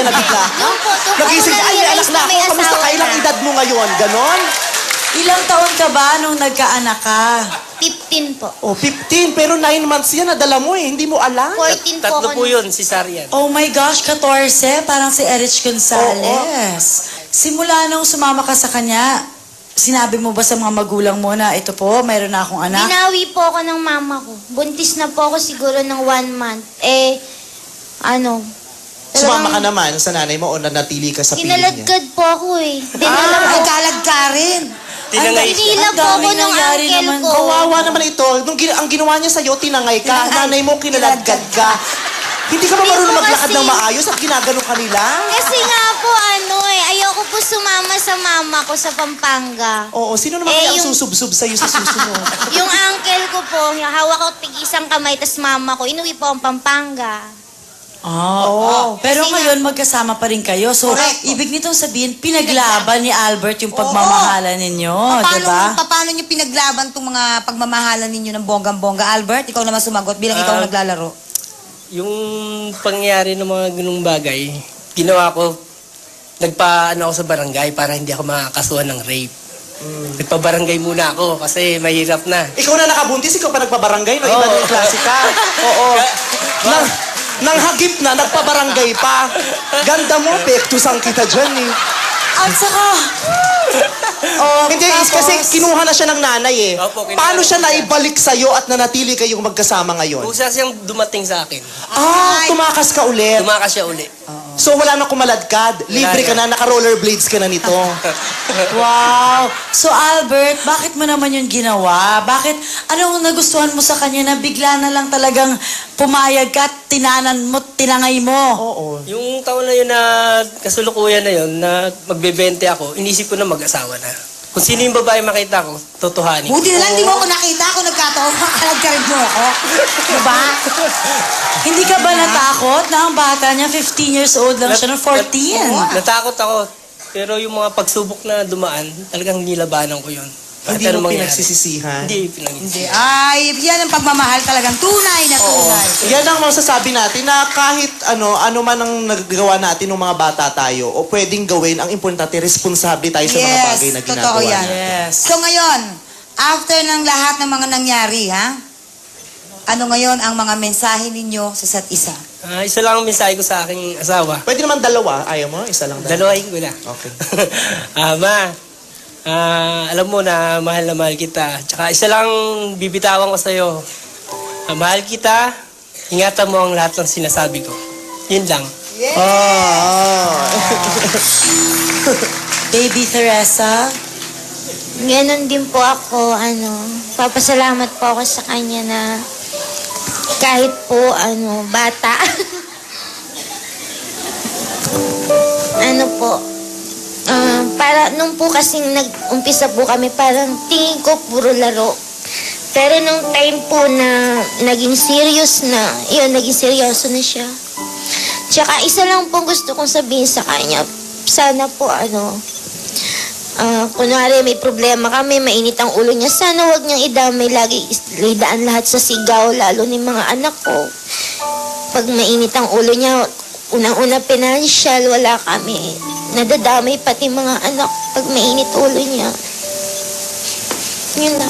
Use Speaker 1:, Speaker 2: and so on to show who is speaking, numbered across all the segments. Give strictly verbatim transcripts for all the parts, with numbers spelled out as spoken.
Speaker 1: na bigla ka?
Speaker 2: Yung po, to,
Speaker 1: Nagising ka, ay, may anak na ako. Kamusta ka? Ilang edad mo ngayon? Ganon?
Speaker 3: Ilang taon ka ba nung nagkaanak ka?
Speaker 2: fifteen po.
Speaker 1: Oh, fifteen. Pero nine months yan, nadala mo eh. Hindi mo alam.
Speaker 2: fourteen po
Speaker 4: Tatlo
Speaker 2: ako.
Speaker 4: po yun, si Sarian.
Speaker 3: Oh my gosh, fourteen. Parang si Erich Gonzalez. Simula nung sumama ka sa kanya, sinabi mo ba sa mga magulang mo na ito po, mayroon na akong anak?
Speaker 2: Binawi po ako ng mama ko. Buntis na po ako siguro ng one month. Eh, ano,
Speaker 1: Sumama ka naman sa nanay mo o nanatili ka sa piling niya?
Speaker 2: Kinaladkad po ako eh.
Speaker 3: Ah,
Speaker 2: Dinala
Speaker 3: ay,
Speaker 2: po.
Speaker 3: kalag ka rin.
Speaker 4: Tinangay siya.
Speaker 2: Dinila
Speaker 3: Ang
Speaker 2: po ako
Speaker 3: daming
Speaker 2: ng
Speaker 3: nangyari
Speaker 2: uncle
Speaker 3: naman.
Speaker 2: ko.
Speaker 1: Kawawa naman ito. Nung gin- ang ginawa niya sa'yo, tinangay ka.
Speaker 3: Tinangay.
Speaker 1: Nanay mo, kinaladkad ka. Hindi ka ba
Speaker 2: Hindi
Speaker 1: marunong
Speaker 2: po
Speaker 1: maglakad
Speaker 2: kasi-
Speaker 1: ng maayos at ginagano ka nila?
Speaker 2: Kasi nga po ano eh, ayoko po sumama sa mama ko sa Pampanga.
Speaker 1: Oo, sino naman
Speaker 2: Eh,
Speaker 1: kaya ang
Speaker 2: yung-
Speaker 1: susubsub sa'yo sa susunod?
Speaker 2: Yung uncle ko po, hawak ko tig isang kamay, tas mama ko, inuwi po ang Pampanga.
Speaker 3: Ah,
Speaker 1: Oo.
Speaker 3: Pero
Speaker 2: Kasi
Speaker 3: ngayon, magkasama pa rin kayo. So,
Speaker 5: Correct.
Speaker 3: ibig nitong sabihin, pinaglaban ni Albert yung pagmamahalan ninyo,
Speaker 5: Paano,
Speaker 3: di ba?
Speaker 5: paano nyo pinaglaban tong mga pagmamahalan ninyo ng bonggang-bongga? Albert, ikaw naman sumagot bilang ikaw
Speaker 4: Ah.
Speaker 5: naglalaro.
Speaker 4: Yung pangyayari ng mga ganung bagay, ginawa ko, nagpa-ano ako sa barangay para hindi ako makakasuhan ng rape. Nagpa-barangay muna ako kasi mahirap na.
Speaker 1: Ikaw na nakabuntis, ikaw pa nagpabarangay, no? Iba
Speaker 4: Oo.
Speaker 1: na yung klase ka. Oo. Nang, nang hagip na, nagpabarangay pa. Ganda mo, pektusang kita dyan eh.
Speaker 3: At saka, oh,
Speaker 1: Hindi, is
Speaker 3: tapos,
Speaker 1: kasi kinuha na siya ng nanay eh.
Speaker 4: Opo, kinuha
Speaker 1: Paano siya
Speaker 4: na siya.
Speaker 1: naibalik sa'yo at nanatili kayong magkasama ngayon?
Speaker 4: Kusa siyang dumating sa akin.
Speaker 1: Ah, tumakas ka ulit.
Speaker 4: Tumakas siya uli.
Speaker 1: So wala na kumaladkad. Libre ka na, naka-rollerblades ka na nito.
Speaker 3: Wow! So, Albert, bakit mo naman yun ginawa? Bakit, anong nagustuhan mo sa kanya na bigla na lang talagang pumayag ka at tinanan mo, tinangay mo?
Speaker 1: Oo.
Speaker 4: Yung taon na yun na kasulukuyan na yun, na magbebente ako, inisip ko na mag-asawa na. Kung sino yung babae makita ko, totohanin.
Speaker 5: Buti na lang, di mo ako nakita kung nagkataon, makalag ka rin mo ako. Diba?
Speaker 3: Hindi ka ba natakot na ang bata niya, fifteen years old lang siya, no? fourteen?
Speaker 4: Natakot ako. Pero yung mga pagsubok na dumaan, talagang nilabanan ko yun. Kahit
Speaker 1: Hindi
Speaker 4: anong
Speaker 1: mo
Speaker 4: mangyari.
Speaker 1: pinagsisisihan.
Speaker 4: Hindi pinagsisisihan.
Speaker 5: Ay, yan ang pagmamahal talagang tunay na
Speaker 1: Oo.
Speaker 5: tunay.
Speaker 1: Yan ang masasabi natin na kahit ano, ano man ang nagagawa natin ng mga bata tayo o pwedeng gawin, ang importante, responsable tayo sa mga
Speaker 5: Yes,
Speaker 1: bagay na ginagawa
Speaker 5: totoo yan.
Speaker 1: natin.
Speaker 3: Yes.
Speaker 5: So ngayon, after ng lahat ng mga nangyari, ha? Ano ngayon ang mga mensahe ninyo sa isa't isa?
Speaker 4: Ah, isa lang ang mensahe ko sa aking asawa.
Speaker 1: Pwede naman dalawa. Ayaw mo? Isa lang dalawa.
Speaker 4: Dalawahin ko na.
Speaker 1: Okay.
Speaker 4: ah, ma, ah, alam mo na mahal na mahal kita. Tsaka isa lang bibitawan ko sa'yo. Ah, mahal kita, ingatan mo ang lahat ng sinasabi ko. Yun lang.
Speaker 1: Ah.
Speaker 3: Baby Teresa?
Speaker 2: Ganon din po ako, ano, papasalamat po ako sa kanya na kahit po, ano, bata. ano po, ah, para, nung po kasing nag-umpisa po kami, parang tingin ko puro laro. Pero nung time po na naging serious na, yun, naging seryoso na siya. Tsaka isa lang po gusto kong sabihin sa kanya, sana po, ano, Ah, kunwari may problema kami, mainit ang ulo niya, sana wag niyang idamay lagi, idaan lahat sa sigaw, lalo ni mga anak ko. Pag mainit ang ulo niya, unang-una financial, wala kami. Nadadamay pati mga anak pag mainit ulo niya. Yun lang.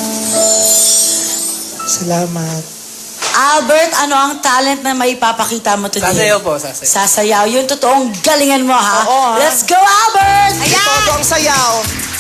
Speaker 1: Salamat.
Speaker 3: Albert, ano ang talent na maipapakita mo today?
Speaker 4: Sasayaw po, sasayaw.
Speaker 3: Sasayaw. Yung totoong galingan mo, ha?
Speaker 1: Oo, ha?
Speaker 3: Let's go, Albert!
Speaker 1: Todo ang sayaw.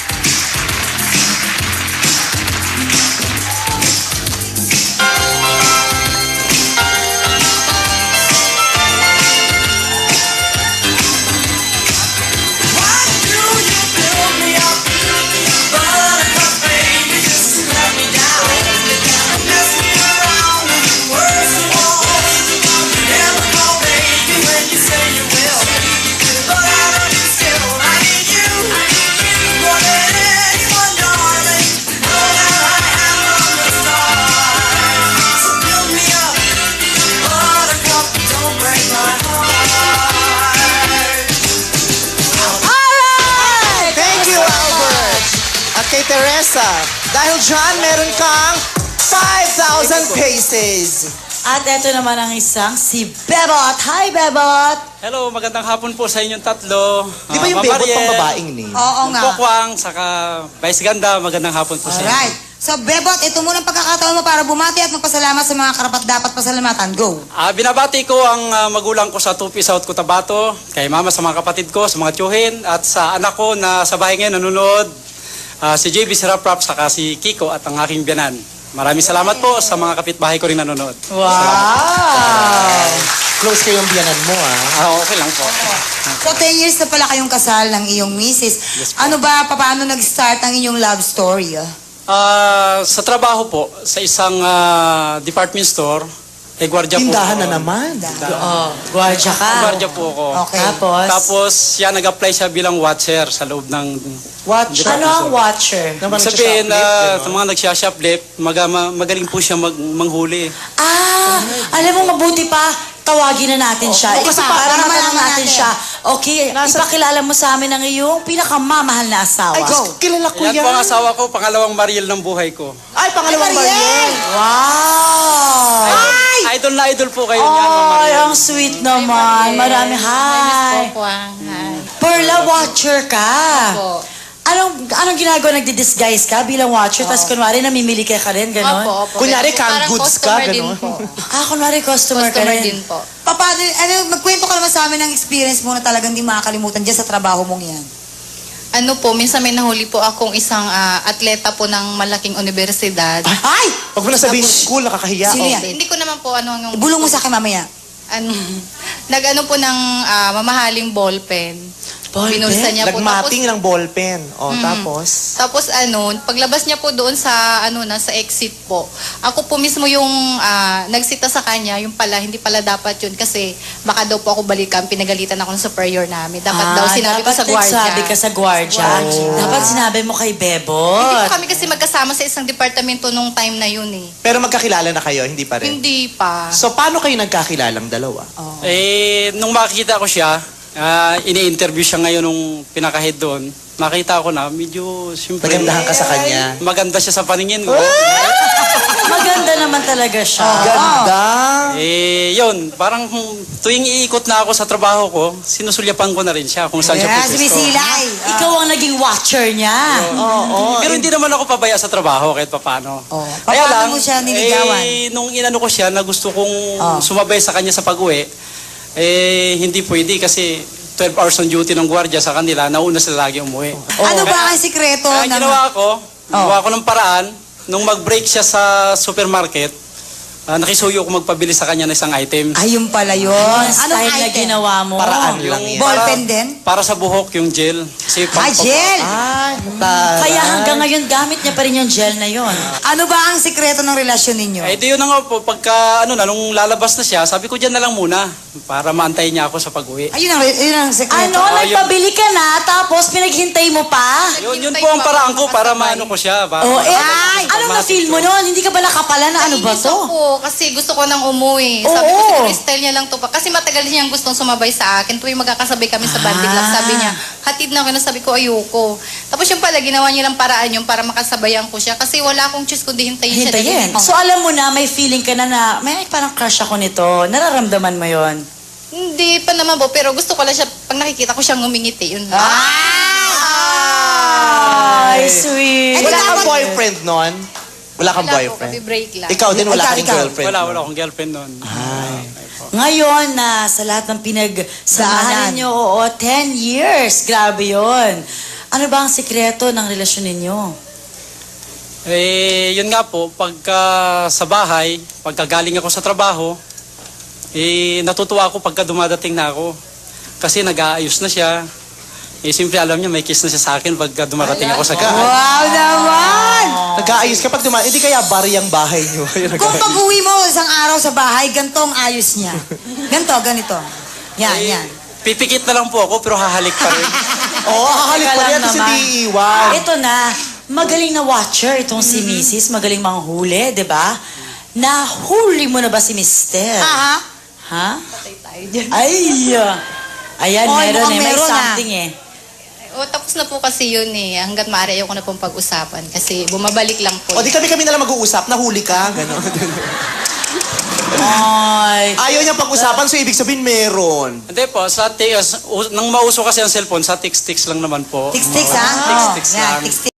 Speaker 1: Thank you, Albert. At kay Teresa, dahil dyan, meron kang five thousand pesos.
Speaker 3: At eto naman ang isang si Bebot. Hi, Bebot!
Speaker 6: Hello, magandang hapon po sa inyong tatlo.
Speaker 1: Di ba yung
Speaker 6: Ah, Ma'am
Speaker 1: bebot
Speaker 6: Mariel,
Speaker 1: pang babaeng name?
Speaker 5: Oo nga.
Speaker 6: Pokwang, saka Vice Ganda, magandang hapon po sa inyo.
Speaker 5: Alright. So, Bebot, ito muna ang pagkakataon mo para bumati at magpasalamat sa mga karapat-dapat pasalamatan. Go.
Speaker 6: Ah, binabati ko ang ah, magulang ko sa Tupi, South Cotabato, kay mama sa mga kapatid ko, sa mga tiyuhin, at sa anak ko na sa bahay ngayon nanonood, ah, si J B Siraprap, saka si Kiko at ang aking biyanan. Maraming salamat po sa mga kapitbahay ko rin nanonood.
Speaker 3: Wow!
Speaker 1: Close kayong biyanan mo, ah.
Speaker 6: Ah, okay lang po.
Speaker 5: So, ten years na pala kayong kasal ng iyong misis. Ano ba, paano nag-start ang inyong love story? ah?
Speaker 6: Ah, sa trabaho po, sa isang ah, department store, eh, gwardiya po.
Speaker 1: Tindahan
Speaker 6: ako.
Speaker 1: na naman.
Speaker 3: Oh, gwardiya ka.
Speaker 6: Gwardiya po ako.
Speaker 5: Okay.
Speaker 3: Tapos,
Speaker 6: Tapos, siya nag-apply siya bilang watcher sa loob ng...
Speaker 1: Watch.
Speaker 3: ano ang watcher?
Speaker 1: Naman
Speaker 6: Sabihin na
Speaker 1: nagsha-shoplift,
Speaker 6: sa mga nagsha-shoplift, maga, ma- magaling po siya mag, manghuli.
Speaker 3: Ah, alam mo, mabuti pa, tawagin na natin siya.
Speaker 5: Oo,
Speaker 3: Ipapa-
Speaker 5: para
Speaker 3: para
Speaker 5: malaman
Speaker 3: natin
Speaker 5: natin.
Speaker 3: siya. Okay, ipakilala mo sa amin ang iyong pinakamamahal na asawa.
Speaker 1: Ay, Diyos, kilala ko
Speaker 6: Yan
Speaker 1: yan.
Speaker 6: po ang asawa ko, pangalawang Mariel ng buhay ko.
Speaker 1: Ay, pangalawang
Speaker 5: Ay, Mariel!
Speaker 1: Mariel.
Speaker 3: Wow!
Speaker 6: Idol, idol na idol po kayo niyan, Ma'am
Speaker 3: Ay,
Speaker 6: Mariel.
Speaker 3: ang sweet naman. Marami, hi. Perla, watcher ka. Anong anong ginagawa? Nagdi-disguise ka bilang watcher, tapos kunwari namimili ka ka rin, gano'n?
Speaker 7: Opo, opo.
Speaker 1: Kunyari,
Speaker 7: Kaya po,
Speaker 1: canned
Speaker 7: parang
Speaker 1: goods ka,
Speaker 7: customer din
Speaker 1: gano'n.
Speaker 7: po.
Speaker 3: Ah, kunwari customer, ka
Speaker 7: Customer
Speaker 3: rin.
Speaker 7: din po.
Speaker 5: Papa, ano, magkwento ka naman sa amin ng experience mo na talagang di makakalimutan dyan sa trabaho mong yan.
Speaker 7: Ano po, minsan may nahuli po akong isang ah, atleta po ng malaking universidad.
Speaker 5: Ay!
Speaker 1: Pag mo nasabihin school, nakakahiya.
Speaker 5: Sino
Speaker 1: Oh.
Speaker 5: yan?
Speaker 7: Hindi ko naman po ano yung...
Speaker 5: Bulong mo sa akin mamaya.
Speaker 7: Ano, nag-ano po ng ah, mamahaling ballpen.
Speaker 3: Ballpen?
Speaker 7: Binulsa niya po.
Speaker 1: Nagmating ng ballpen. O,
Speaker 7: Mm.
Speaker 1: tapos?
Speaker 7: Tapos ano, paglabas niya po doon sa ano na sa exit po. Ako po mismo yung ah, nagsita sa kanya, yung pala hindi pala dapat yun kasi baka daw po ako balikan, pinagalitan ako ng superior namin. Dapat daw sinabi ko
Speaker 3: dapat
Speaker 7: sa gwardiya.
Speaker 3: nagsabi ka sa gwardiya. Dapat sinabi mo kay
Speaker 7: Hindi
Speaker 3: Bebot.
Speaker 7: po kami kasi magkasama sa isang departamento nung time na yun eh.
Speaker 1: Pero magkakilala na kayo, hindi pa rin.
Speaker 7: Hindi pa.
Speaker 1: So, paano kayo nagkakilalang dalawa?
Speaker 6: Eh, nung makikita ko siya, ah, ini-interview siya ngayon nung pinaka-head doon, nakita ko na medyo, siyempre,
Speaker 1: Nagandahan ka sa kanya.
Speaker 6: maganda siya sa paningin ko.
Speaker 3: Maganda naman talaga siya.
Speaker 1: Ganda.
Speaker 6: Eh, yun, parang hmm, tuwing iikot na ako sa trabaho ko, sinusulyapan ko na rin siya kung saan siya
Speaker 5: Yeah,
Speaker 6: pupwesto.
Speaker 5: sumisilay.
Speaker 3: Ikaw ang naging watcher niya.
Speaker 1: Oo.
Speaker 6: Pero hindi naman ako pabaya sa trabaho kahit papano.
Speaker 5: Oh. Paano mo siya niligawan?
Speaker 6: Eh, nung inano ko siya na gusto kong
Speaker 5: Oh.
Speaker 6: sumabay sa kanya sa pag-uwi, eh, hindi pwede kasi twelve hours on duty ng gwardiya sa kanila, nauna sila lagi umuwi.
Speaker 5: Ano ba ang sikreto
Speaker 6: Kaya
Speaker 5: ng...
Speaker 6: ginawa ko,
Speaker 5: Oh.
Speaker 6: gawa ko ng paraan, nung mag-break siya sa supermarket, ah, nakisuyo ko magpabili sa kanya ng isang item.
Speaker 5: Ayun pala yun.
Speaker 3: Ang
Speaker 5: Anong
Speaker 3: style na
Speaker 5: item?
Speaker 3: ginawa mo.
Speaker 1: Paraan
Speaker 6: Yung
Speaker 1: lang yan.
Speaker 5: Ballpen din?
Speaker 6: Para sa buhok, yung gel. Kasi
Speaker 5: Ah, gel!
Speaker 1: Ay, taray.
Speaker 3: Kaya hanggang ngayon, gamit niya pa rin yung gel na yon.
Speaker 5: Ano ba ang sikreto ng relasyon ninyo?
Speaker 6: Eh, di yun na nga po, pagka, ano na, nung lalabas na siya, sabi ko dyan na lang muna, para maantay niya ako sa pag-uwi.
Speaker 5: Ayun ang, yun ang sikreto.
Speaker 3: Ano, nagpabili ka na, tapos pinaghintay mo pa?
Speaker 6: Yun, yun po ang paraan ko para maano ko siya. Para,
Speaker 3: Oh, eh,
Speaker 5: Ay!
Speaker 3: anong na-feel mo nun? Hindi ka ba nakapala na ano ba
Speaker 7: Nainis
Speaker 3: to?
Speaker 7: ako kasi gusto ko nang umuwi. Sabi ko
Speaker 3: Oo.
Speaker 7: siguro style niya lang to pa. Kasi matagal niyang gustong sumabay sa akin. Tuwing magkakasabay kami sa banding lang.
Speaker 3: Ah.
Speaker 7: Sabi niya, hatid na ako na sabi ko ayoko. Tapos yung pala, ginawa niya lang paraan yung para makasabayan ko siya. Kasi wala akong choose kundi hintayin siya.
Speaker 3: Hintayin.
Speaker 7: dahil-
Speaker 3: So alam mo na, may feeling ka na na, may parang crush ako nito. Nararamdaman mo yon.
Speaker 7: Hindi pa naman po, pero gusto ko lang siya, pag nakikita ko siyang ngumingiti, yun.
Speaker 3: Ay, sweet.
Speaker 1: Wala kang boyfriend nun? Wala kang
Speaker 7: Wala po,
Speaker 1: boyfriend?
Speaker 7: kami break lang.
Speaker 1: Ikaw din, wala
Speaker 5: Ikaw,
Speaker 1: kang
Speaker 5: ikaw.
Speaker 1: girlfriend?
Speaker 6: wala,
Speaker 1: nun?
Speaker 6: wala akong girlfriend noon.
Speaker 3: Ngayon na sa lahat ng pinagsamahan
Speaker 5: Samahan.
Speaker 3: ninyo, oo, ten years. Grabe yon. Ano ba ang sikreto ng relasyon ninyo?
Speaker 6: Eh, yun nga po, pagka sa bahay, pagka galing ako sa trabaho, eh, natutuwa ako pagka dumadating na ako. Kasi nag-aayos na siya. Eh, simple alam niya, may kiss na siya sa akin pagka dumarating ako sa gahay.
Speaker 5: Wow naman!
Speaker 1: Nag-aayos ka pag dumaan, hindi kaya bari ang bahay niyo.
Speaker 5: Kung pag-uwi mo isang araw sa bahay, ganito ang ayos niya. Ganito, ganito. Yan,
Speaker 6: Eh,
Speaker 5: yan.
Speaker 6: Pipikit na lang po ako, pero hahalik pa rin.
Speaker 1: Oo, oh, kakalik
Speaker 3: Teka
Speaker 1: pa
Speaker 3: lang
Speaker 1: rin, tapos
Speaker 3: naman.
Speaker 1: hindi iiwan.
Speaker 3: Ito na, magaling na watcher itong si
Speaker 5: Mm-hmm.
Speaker 3: Missus Magaling manghuli, di ba? Nahuli mo na ba si Mister?
Speaker 5: Aha.
Speaker 3: Ha?
Speaker 7: Patay tayo dyan.
Speaker 3: Ay! Ayan,
Speaker 5: Oy,
Speaker 3: meron
Speaker 5: mukhang
Speaker 3: eh. May
Speaker 5: meron, ah.
Speaker 3: something eh.
Speaker 7: O, tapos na po kasi yun eh. Hanggat maaari ayoko na pong pag-usapan. Kasi bumabalik lang po.
Speaker 1: O di kami-kami na lang mag-uusap, nahuli ka, gano'n.
Speaker 3: Ay.
Speaker 1: Ayaw niya pag-usapan, so ibig sabihin meron.
Speaker 6: Hindi po, sa text, nang mauso kasi ang cellphone, sa text-text lang naman po.
Speaker 5: Tix-tix, ha?
Speaker 6: Text-text
Speaker 5: Yan,
Speaker 6: lang.
Speaker 5: tix-tix.